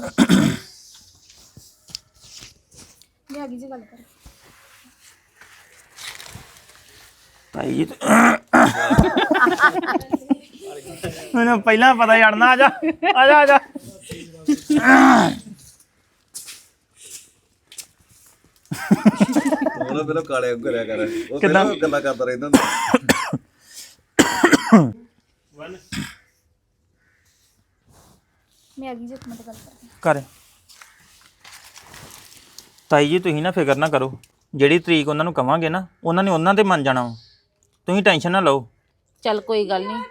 मैं आगे जी गल कर ਭਾਈ ਜੀ ਮੈਨੂੰ ਪਹਿਲਾਂ ਪਤਾ ਛੱਡਣਾ ਆ ਜਾ ਆ ਜਾ ਆ ਜਾ ਉਹਨਾਂ ਪਹਿਲਾਂ ਕਾਲੇ ਅੰਗ ਕਰਿਆ ਕਰ ਉਹ ਪਹਿਲਾਂ ਗੱਲਾਂ ਕਰਦਾ ਰਹਿੰਦਾ ਹੁੰਦਾ मैं आगे जी मत गल कर ਕਰ ਤਾਈ ਜੀ ਤੁਸੀਂ ਨਾ ਫਿਕਰ ਨਾ ਕਰੋ ਜਿਹੜੀ ਤਰੀਕ ਉਹਨਾਂ ਨੂੰ ਕਵਾਂਗੇ ਨਾ ਉਹਨਾਂ ਨੇ ਉਹਨਾਂ ਤੇ ਮੰਨ ਜਾਣਾ ਵਾ। ਤੁਸੀਂ ਟੈਨਸ਼ਨ ਨਾ ਲਓ ਚੱਲ ਕੋਈ ਗੱਲ ਨਹੀਂ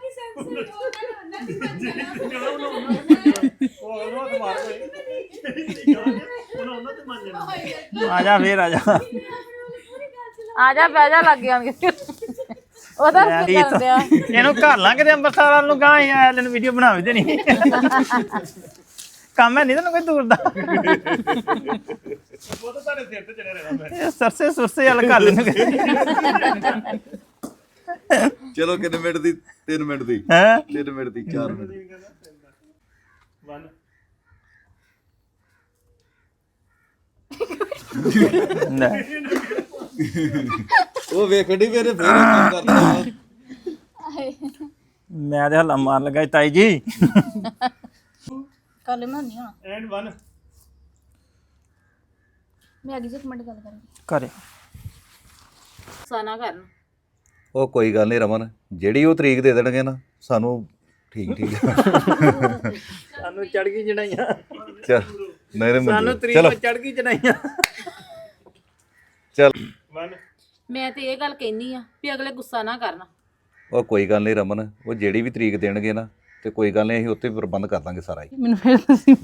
ਆ ਜਾ ਫੇਰ ਆ ਜਾ ਆ ਜਾ ਬਹਿ ਜਾ ਲੱਗ ਜਾਣਗੇ ਉਹਦਾ ਮੈਂ ਕੀ ਵੀ ਕਰਨ ਦਿਆ ਇਹਨੂੰ ਘਰ ਲਾਂ ਕਿਤੇ ਅੰਮ੍ਰਿਤਸਰ ਵੱਲ ਨੂੰ ਗਾਂ ਆਇਆ ਲੈਣ ਵੀਡੀਓ ਬਣਾ ਵੀ ਦੇਣੀ ਕੰਮ ਹੈ ਨਹੀਂ ਤੈਨੂੰ ਕੋਈ ਦੂਰ ਦਾ ਉਹ ਤਾਂ ਤੁਹਾਡੇ ਸਿਰ ਤੇ ਚੜਿਆ ਰਹਿਣਾ ਮੈਂ ਸਰਸੇ ਸੁਰਸੇ ਵਾਲ ਕਰ ਲੈਣ ਚਲੋ ਕਿੰਨੇ ਮਿੰਟ ਦੀ 3 ਮਿੰਟ ਦੀ ਹੈ 3 ਮਿੰਟ ਦੀ 4 ਮਿੰਟ ਦੀ ਉਹ ਵੇਖੜੀ ਮੇਰੇ ਫੇਰ ਕੰਮ ਕਰਦਾ ਵਾ। ਮੈਂ ਤੇ ਹੱਲਾ ਮਾਰ ਲਗਾ ਤਾਈ ਜੀ कर ले मैं नहीं हां ਐਂਡ 1 मैं आगे जी मत गल कर ਕਰੇ ਸਾਨਾ ਕਰਨ ਉਹ ਕੋਈ ਗੱਲ ਨਹੀਂ ਰਮਨ ਜਿਹੜੀ ਉਹ ਤਰੀਕ ਦੇ ਦੇਣਗੇ ਨਾ ਸਾਨੂੰ ਠੀਕ ਠੀਕ ਸਾਨੂੰ ਚੜ ਗਈ ਜਣਾਈਆਂ ਚੱਲ ਨਹੀਂ ਸਾਨੂੰ ਰਮਨ ਤਰੀਕ ਚਲੋ ਤੇ ਚੜ ਗਈ ਜਣਾਈਆਂ ਚੱਲ ਮੈਂ ਤੇ ਇਹ ਗੱਲ ਕਹਿਨੀ ਆ ਵੀ ਅਗਲੇ ਗੁੱਸਾ ਨਾ ਕਰਨ ਉਹ ਕੋਈ ਗੱਲ ਨਹੀਂ ਰਮਨ ਉਹ ਜਿਹੜੀ ਵੀ ਤਰੀਕ ਦੇਣਗੇ ਨਾ ਤੇ ਕੋਈ ਗੱਲ ਨਹੀਂ ਅਸੀਂ ਉੱਤੇ ਪ੍ਰਬੰਧ ਕਰ ਦਾਂਗੇ ਸਾਰਾ ਹੀ ਮੈਨੂੰ ਫਿਰ ਤੁਸੀਂ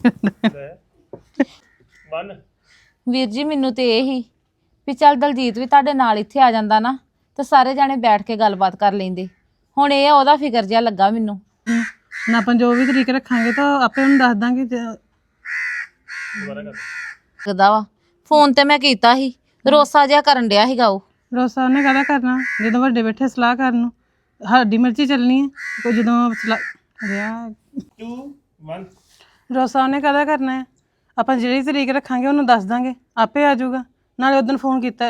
1 ਵੀਰ ਜੀ ਮੈਨੂੰ ਤੇ ਇਹ ਹੀ ਵੀ ਚੱਲ ਦਲਜੀਤ ਵੀ ਤੁਹਾਡੇ ਨਾਲ ਇੱਥੇ ਆ ਜਾਂਦਾ ਨਾ ਤੇ ਸਾਰੇ ਜਾਣੇ ਬੈਠ ਕੇ ਗੱਲਬਾਤ ਕਰ ਲੈਂਦੇ ਹੁਣ ਇਹ ਆ ਉਹਦਾ ਫਿਕਰ ਜਿਹਾ ਲੱਗਾ ਮੈਨੂੰ ਨਾ ਆਪਾਂ ਜੋ ਵੀ ਤਰੀਕ ਰੱਖਾਂਗੇ ਤਾਂ ਆਪੇ ਉਹਨੂੰ ਦੱਸ ਦਾਂਗੇ ਲੱਗਦਾ ਵਾ ਫੋਨ ਤੇ ਮੈਂ ਕੀਤਾ ਸੀ ਰੋਸਾ ਜਿਹਾ ਕਰਨ ਡਿਆ ਸੀਗਾ ਉਹ ਰੋਸਾ ਉਹਨੇ ਕਾਹਦਾ ਕਰਨਾ ਜਦੋਂ ਵੱਡੇ ਬੈਠੇ ਸਲਾਹ ਕਰਨ ਨੂੰ ਸਾਡੀ ਮਰਜ਼ੀ ਚੱਲਣੀ ਹੈ ਕੋਈ ਜਦੋਂ ਰਿਹਾ 2 1 ਰੋਸਾ ਉਹਨੇ ਕਾਹਦਾ ਕਰਨਾ ਹੈ ਆਪਾਂ ਜਿਹੜੀ ਤਰੀਕ ਰੱਖਾਂਗੇ ਉਹਨੂੰ ਦੱਸ ਦਾਂਗੇ ਆਪੇ ਆ ਜਾਊਗਾ ਨਾਲੇ ਉਦੋਂ ਫੋਨ ਕੀਤਾ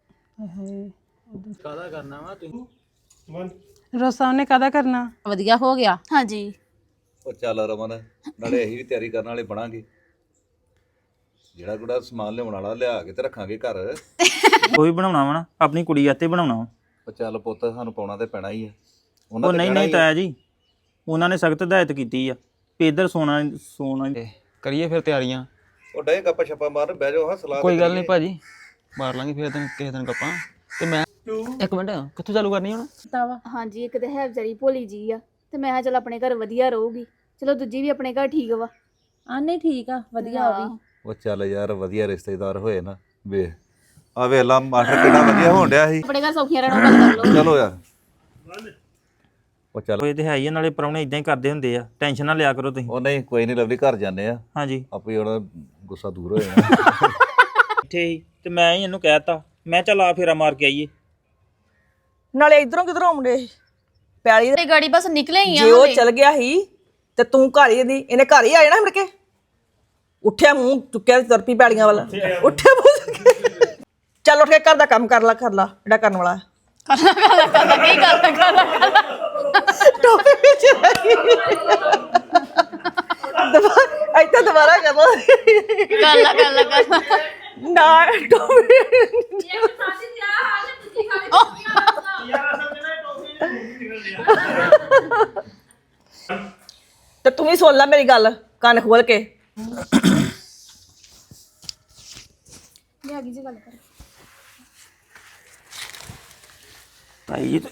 ਕਾਹਦਾ ਕਰਨਾ ਵਾ ਤੁਸੀਂ 1 ਰੋਸਾ ਉਹਨੇ ਕਾਹਦਾ ਕਰਨਾ ਵਧੀਆ ਹੋ ਗਿਆ हां जी ਉਹ ਚੱਲ ਰਮਨ ਨਾਲੇ ਅਸੀਂ ਵੀ ਤਿਆਰੀ ਕਰਨ ਵਾਲੇ ਬਣਾਂਗੇ ਜਿਹੜਾ ਗੁੜਾ ਸਮਾਨ ਲਿਆਉਣ ਵਾਲਾ ਲਿਆ ਕੇ ਤੇ ਰੱਖਾਂਗੇ ਘਰ ਕੋਈ ਬਣਾਉਣਾ ਵਾ ਨਾ ਆਪਣੀ ਕੁੜੀ ਆਤੇ ਬਣਾਉਣਾ ਵਾ। ਉਹ ਚੱਲ ਪੁੱਤ ਸਾਨੂੰ ਪਾਉਣਾ ਤੇ ਪੈਣਾ ਹੀ ਆ ਉਹ ਤੇ ਨਹੀਂ ਕਹਿਣਾ ਨਹੀਂ ਹੀ ਆ। ਤਾਇਆ ਜੀ ਉਹਨਾਂ ਨੇ ਸਖਤ ਹਦਾਇਤ ਕੀਤੀ ਆ ਵੀ ਇੱਧਰ ਸੋਨਾ ਸੋਨਾ ਕਰੀਏ ਫਿਰ ਤਿਆਰੀਆਂ ਉਹ ਡੇ ਗੱਪਾ ਛੱਪਾ ਮਾਰ ਬਹਿ ਜਾਓ ਹਾਂ ਸਲਾਹ ਕੋਈ ਗੱਲ ਨਹੀਂ ਭਾਜੀ ਮਾਰ ਲਾਂਗੇ ਫਿਰ ਤੈਨੂੰ ਕਿਸੇ ਦਿਨ ਗੱਪਾਂ ਤੇ ਮੈਂ ਇੱਕ ਮਿੰਟ ਕਿੱਥੋਂ ਚਾਲੂ ਕਰਨੀ ਹੁਣ हां जी एक ते है बेचारी भोली जी आ ते मैं चल अपने घर वधिया रहूगी चलो दूजी भी अपने घर ठीक वा ਆ ਨਹੀਂ ਠੀਕ ਆ ਵਧੀਆ ਉਹ ਵੀ ਉਹ ਚੱਲ ਯਾਰ ਵਧੀਆ ਰਿਸ਼ਤੇਦਾਰ ਹੋਏ ਨਾ ਵੇ ਆ ਵੇਲਾ ਮਾਸਟਰ ਕਿੰਨਾ ਵਧੀਆ ਹੋਣ ਡਿਆ ਸੀ अपने घर सौखियां रहना गल कर लो ਚਲੋ ਯਾਰ ਉਹ ਚੱਲ ਇਹ ਤੇ ਹੈ ਹੀ ਆ, ਨਾਲੇ ਪ੍ਰਾਹੁਣੇ ਇਦਾਂ ਹੀ ਕਰਦੇ ਹੁੰਦੇ ਆ ਟੈਨਸ਼ਨ ਨਾ ਲਿਆ ਕਰੋ ਤੁਸੀਂ ਉਹ ਨਹੀਂ ਕੋਈ ਨਹੀਂ ਲਵਲੀ ਘਰ ਜਾਂਦੇ ਆ ਹਾਂਜੀ ਆਪੇ ਉਹਦਾ ਗੁੱਸਾ ਦੂਰ ਹੋ ਜਾਣਾ ਇੱਥੇ ਹੀ ਤੇ ਮੈਂ ਹੀ ਇਹਨੂੰ ਕਹਿਤਾ ਮੈਂ ਚੱਲ ਆ ਫੇਰਾ ਮਾਰ ਕੇ ਆਈਏ ਨਾਲੇ ਇਧਰੋਂ ਕਿਧਰੋਂ ਆਉਂਦੇ ਪੈਲੀ ते गाड़ी बस निकले ही ਜੇ ਉਹ ਚਲ ਗਿਆ ਸੀ ਤੇ ਤੂੰ ਘਰ ਹੀ ਇਹਨੇ ਘਰ ਹੀ ਆ ਜਾਣਾ ਮੁੜ ਕੇ ਉੱਠਿਆ ਮੂੰਹ ਚੁੱਕਿਆ ਤੇ ਤੁਰ ਪਈ ਪੈਲੀਆਂ ਵਾਲਾ ਉੱਠਿਆ ਮੂੰਹ ਚੁੱਕਿਆ। ਚੱਲ ਉੱਠ ਕੇ ਘਰ ਦਾ ਕੰਮ ਕਰ ਲਾ ਜਿਹੜਾ ਕਰਨ ਵਾਲਾ ਟੋਪੀ ਵਿੱਚ ਇੱਥੇ ਦੁਬਾਰਾ ਕਰ ਲਾ ਨਾ ਟੋਪੀ ਤੇ ਤੂੰ ਵੀ ਸੁਣ ਲੈ ਮੇਰੀ ਗੱਲ ਕੰਨ ਖੋਲ ਕੇ मैं आगे जी गल कर ਭਾਈ ਜੀ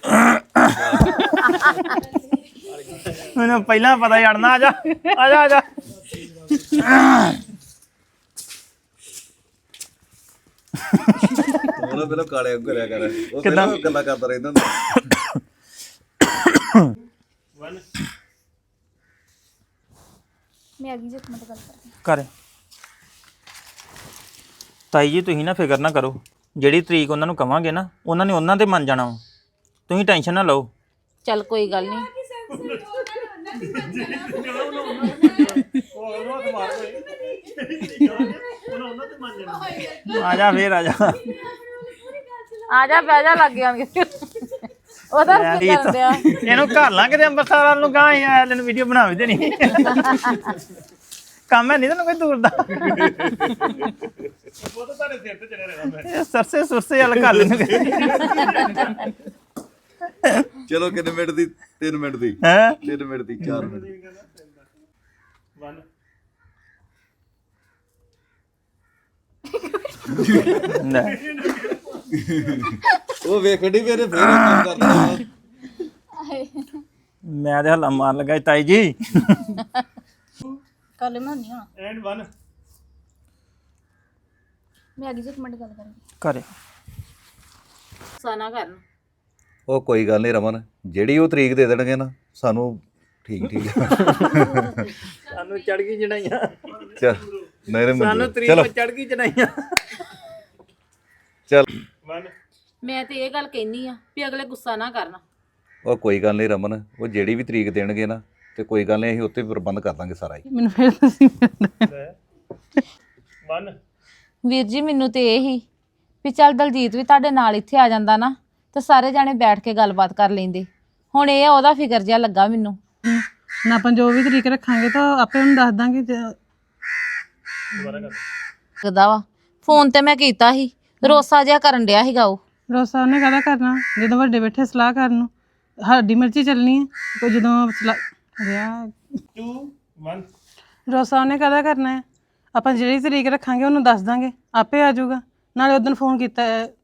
ਮੈਨੂੰ ਪਹਿਲਾਂ ਪਤਾ ਛੱਡਣਾ ਆ ਜਾ ਆ ਜਾ ਆ ਜਾ ਉਹਨਾਂ ਪਹਿਲਾਂ ਕਾਲੇ ਅੰਗ ਕਰਿਆ ਕਰ ਉਹ ਪਹਿਲਾਂ ਗੱਲਾਂ ਕਰਦਾ ਰਹਿੰਦਾ ਹੁੰਦਾ मैं आगे जी मत गल कर ਕਰ ਤਾਈ ਜੀ ਤੁਸੀਂ ਨਾ ਫਿਕਰ ਨਾ ਕਰੋ ਜਿਹੜੀ ਤਰੀਕ ਉਹਨਾਂ ਨੂੰ ਕਵਾਂਗੇ ਨਾ ਉਹਨਾਂ ਨੇ ਉਹਨਾਂ ਤੇ ਮੰਨ ਜਾਣਾ ਵਾ। ਤੁਸੀਂ ਟੈਨਸ਼ਨ ਨਾ ਲਓ ਚੱਲ ਕੋਈ ਗੱਲ ਨਹੀਂ ਆ ਜਾ ਫੇਰ ਆ ਜਾ ਆ ਜਾ ਬਹਿ ਜਾ ਲੱਗ ਜਾਣਗੇ ਉਹਦਾ ਮੈਂ ਕੀ ਵੀ ਕਰਨ ਡਿਆ ਇਹਨੂੰ ਘਰ ਲਾਂ ਕਿਤੇ ਅੰਮ੍ਰਿਤਸਰ ਵੱਲ ਨੂੰ ਗਾਂ ਆਇਆ ਤੈਨੂੰ ਵੀਡੀਓ ਬਣਾ ਵੀ ਦੇਣੀ ਕੰਮ ਹੈ ਨਹੀਂ ਤੈਨੂੰ ਕੋਈ ਦੂਰ ਦਾ ਉਹ ਤਾਂ ਤੁਹਾਡੇ ਸਿਰ ਤੇ ਚੜਿਆ ਰਹਿਣਾ ਸਰਸੇ ਸੁਰਸੇ ਵਾਲਾ ਘਰ ਲੈਨੂੰ ਚਲੋ ਕਿੰਨੇ ਮਿੰਟ ਦੀ 3 ਮਿੰਟ ਦੀ ਹੈ 3 ਮਿੰਟ ਦੀ 4 ਮਿੰਟ ਦੀ ਉਹ ਵੇਖੜੀ ਮੇਰੇ ਫੇਰ ਕੰਮ ਕਰਦਾ ਮੈਂ ਤੇ ਹੱਲਾ ਮਾਰ ਲੱਗਾ ਸੀ, ਤਾਈ ਜੀ ਕੱਲ ਮੈਂ ਨਹੀਂ ਆਣਾ ਐਂਡ 1 ਮੈਂ ਅੱਗੇ ਇੱਕ ਮਿੰਟ ਗੱਲ ਕਰਾਂਗੀ ਘਰੇ ਸਾਨਾ ਕਰਨ ਉਹ ਕੋਈ ਗੱਲ ਨਹੀਂ ਰਮਨ ਜਿਹੜੀ ਉਹ ਤਰੀਕ ਦੇ ਦੇਣਗੇ ਨਾ ਸਾਨੂੰ ਠੀਕ ਠੀਕ ਸਾਨੂੰ ਚੜ ਗਈ ਜਣਾਈਆਂ ਚੱਲ ਨਹੀਂ ਸਾਨੂੰ ਮੰਨ ਤਰੀਕ ਚਲੋ ਚੜ ਗਈ ਜਣਾਈਆਂ ਚੱਲ ਮੈਂ ਤੇ ਇਹ ਗੱਲ ਕਹਿਨੀ ਆ ਵੀ ਅਗਲੇ ਗੁੱਸਾ ਨਾ ਕਰਨ ਉਹ ਕੋਈ ਗੱਲ ਨਹੀਂ ਰਮਨ ਉਹ ਜਿਹੜੀ ਵੀ ਤਰੀਕ ਦੇਣਗੇ ਨਾ ਤੇ ਕੋਈ ਗੱਲ ਨਹੀਂ ਅਸੀਂ ਉੱਤੇ ਪ੍ਰਬੰਧ ਕਰ ਦਾਂਗੇ ਸਾਰਾ ਹੀ ਮੈਨੂੰ ਫਿਰ ਤੁਸੀਂ ਵੀਰ ਜੀ ਮੈਨੂੰ ਤੇ ਇਹ ਹੀ ਵੀ ਚੱਲ ਦਲਜੀਤ ਵੀ ਤੁਹਾਡੇ ਨਾਲ ਇੱਥੇ ਆ ਜਾਂਦਾ ਨਾ ਤੇ ਸਾਰੇ ਜਾਣੇ ਬੈਠ ਕੇ ਗੱਲਬਾਤ ਕਰ ਲੈਂਦੇ ਹੁਣ ਇਹ ਆ ਉਹਦਾ ਫਿਕਰ ਜਿਹਾ ਲੱਗਾ ਮੈਨੂੰ ਨਾ ਆਪਾਂ ਜੋ ਵੀ ਤਰੀਕ ਰੱਖਾਂਗੇ ਤਾਂ ਆਪੇ ਉਹਨੂੰ ਦੱਸ ਦਾਂਗੇ ਲੱਗਦਾ ਵਾ ਫੋਨ ਤੇ ਮੈਂ ਕੀਤਾ ਸੀ ਰੋਸਾ ਜਿਹਾ ਕਰਨ ਡਿਆ ਸੀਗਾ ਉਹ ਰੋਸਾ ਉਹਨੇ ਕਾਹਦਾ ਕਰਨਾ ਜਦੋਂ ਵੱਡੇ ਬੈਠੇ ਸਲਾਹ ਕਰਨ ਨੂੰ ਸਾਡੀ ਮਰਜ਼ੀ ਚੱਲਣੀ ਹੈ ਕੋਈ ਜਦੋਂ ਰਿਹਾ 2 1 ਰੋਸਾ ਉਹਨੇ ਕਾਹਦਾ ਕਰਨਾ ਹੈ ਆਪਾਂ ਜਿਹੜੀ ਤਰੀਕ ਰੱਖਾਂਗੇ ਉਹਨੂੰ ਦੱਸ ਦਾਂਗੇ ਆਪੇ ਆ ਜਾਊਗਾ ਨਾਲੇ ਉਦੋਂ ਫੋਨ ਕੀਤਾ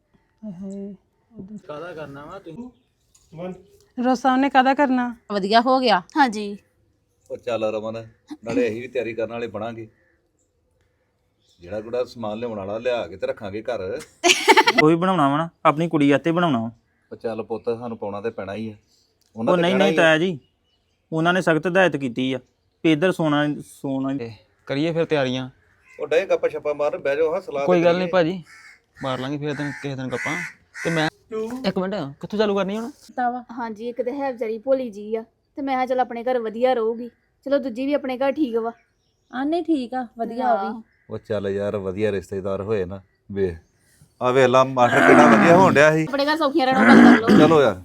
ਕਾਹਦਾ ਕਰਨਾ ਵਾ ਤੁਸੀਂ 1 ਰੋਸਾ ਉਹਨੇ ਕਾਹਦਾ ਕਰਨਾ ਵਧੀਆ ਹੋ ਗਿਆ ਹਾਂਜੀ ਉਹ ਚੱਲ ਰਮਨ ਨਾਲੇ ਅਸੀਂ ਵੀ ਤਿਆਰੀ ਕਰਨ ਵਾਲੇ ਬਣਾਂਗੇ ਜਿਹੜਾ ਗੁੜਾ ਸਮਾਨ ਲਿਆਉਣ ਵਾਲਾ ਲਿਆ ਕੇ ਤੇ ਰੱਖਾਂਗੇ ਘਰ ਕੋਈ ਬਣਾਉਣਾ ਵਾ ਨਾ ਆਪਣੀ ਕੁੜੀ ਆਤੇ ਬਣਾਉਣਾ ਵਾ। ਉਹ ਚੱਲ ਪੁੱਤ ਸਾਨੂੰ ਪਾਉਣਾ ਤੇ ਪੈਣਾ ਹੀ ਆ ਉਹ ਤੇ ਨਹੀਂ ਕਹਿਣਾ ਨਹੀਂ ਹੀ ਆ। ਤਾਇਆ ਜੀ ਉਹਨਾਂ ਨੇ ਸਖਤ ਹਦਾਇਤ ਕੀਤੀ ਆ ਵੀ ਇੱਧਰ ਸੋਨਾ ਕਰੀਏ ਫਿਰ ਤਿਆਰੀਆਂ ਉਹ ਡੇ ਗੱਪਾ ਛੱਪਾ ਮਾਰ ਬਹਿ ਜਾਓ ਹਾਂ ਸਲਾਹ ਕੋਈ ਤੇ ਗੱਲ ਨਹੀਂ ਕਰੀਏ। ਭਾਜੀ ਮਾਰ ਲਾਂਗੇ ਫਿਰ ਕਿਸੇ ਦਿਨ ਗੱਪਾਂ ਤੇ ਮੈਂ ਇੱਕ ਮਿੰਟ ਕਿੱਥੋਂ ਚਾਲੂ ਕਰਨੀ ਹੁਣ ਹਾਂਜੀ ਇੱਕ ਤੇ ਹੈ ਵਿਚਾਰੀ ਭੋਲੀ ਜੀ ਆ ਤੇ ਮੈਂ ਕਿਹਾ ਚਲ ਆਪਣੇ ਘਰ ਵਧੀਆ ਰਹੂਗੀ ਚਲੋ ਦੂਜੀ ਵੀ ਆਪਣੇ ਘਰ ਠੀਕ ਵਾ ਆ ਨਹੀਂ ਠੀਕ ਆ ਵਧੀਆ ਉਹ ਵੀ ਉਹ ਚੱਲ ਯਾਰ ਵਧੀਆ ਰਿਸ਼ਤੇਦਾਰ ਹੋਏ ਨਾ ਵੇ ਆ ਵੇਲਾ ਮਾਸਟਰ ਕਿੰਨਾ ਵਧੀਆ ਹੋਣ ਡਿਆ ਸੀ ਆਪਣੇ ਘਰ ਸੌਖੀਆਂ ਰਹਿਣਾ ਗੱਲ ਕਰ ਲਓ ਚਲੋ ਯਾਰ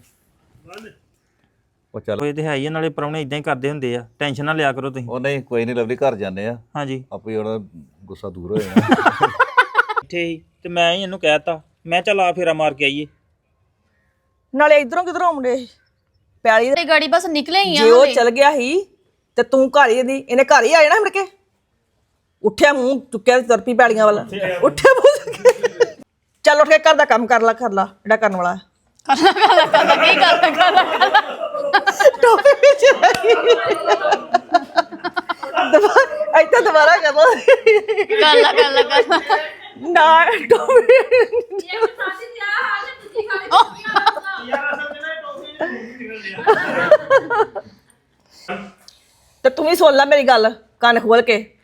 ਉਹ ਚੱਲ ਇਹ ਤੇ ਹੈ ਹੀ ਆ, ਨਾਲੇ ਪ੍ਰਾਹੁਣੇ ਇਦਾਂ ਹੀ ਕਰਦੇ ਹੁੰਦੇ ਆ ਟੈਨਸ਼ਨ ਨਾ ਲਿਆ ਕਰੋ ਤੁਸੀਂ ਉਹ ਨਹੀਂ ਕੋਈ ਨਹੀਂ ਲਵਲੀ ਘਰ ਜਾਂਦੇ ਆ ਹਾਂਜੀ ਆਪੇ ਉਹਦਾ ਗੁੱਸਾ ਦੂਰ ਹੋ ਜਾਣਾ ਇੱਥੇ ਹੀ ਤੇ ਮੈਂ ਹੀ ਇਹਨੂੰ ਕਹਿਤਾ ਮੈਂ ਚੱਲ ਆ ਫੇਰਾ ਮਾਰ ਕੇ ਆਈਏ ਨਾਲੇ ਇਧਰੋਂ ਕਿਧਰੋਂ ਆਉਂਦੇ ਪਿਆਲੀ ਤੇ ਗਾੜੀ ਬਸ ਨਿਕਲੇ ਹੀ ਆ ਜੇ ਉਹ ਚਲ ਗਿਆ ਸੀ ਤੇ ਤੂੰ ਘਰ ਹੀ ਦੀ ਇਹਨੇ ਘਰ ਹੀ ਆ ਜਾਣਾ ਮੁੜ ਕੇ ਉੱਠਿਆ ਮੂੰਹ ਚੁੱਕਿਆ ਤੇ ਤੁਰ ਪਈ ਪੈਲੀਆਂ ਵਾਲਾ ਉੱਠਿਆ ਮੂੰਹ ਚੱਲ ਉੱਠ ਕੇ ਘਰ ਦਾ ਕੰਮ ਕਰ ਲੈ ਜਿਹੜਾ ਕਰਨ ਵਾਲਾ ਟੋਪੀ ਵਿੱਚ ਇੱਥੇ ਦੁਬਾਰਾ ਕਰ ਲਾ ਨਾ ਟੋਪੀ ਤੇ ਤੂੰ ਵੀ ਸੁਣ ਲੈ ਮੇਰੀ ਗੱਲ ਕੰਨ ਖੋਲ ਕੇ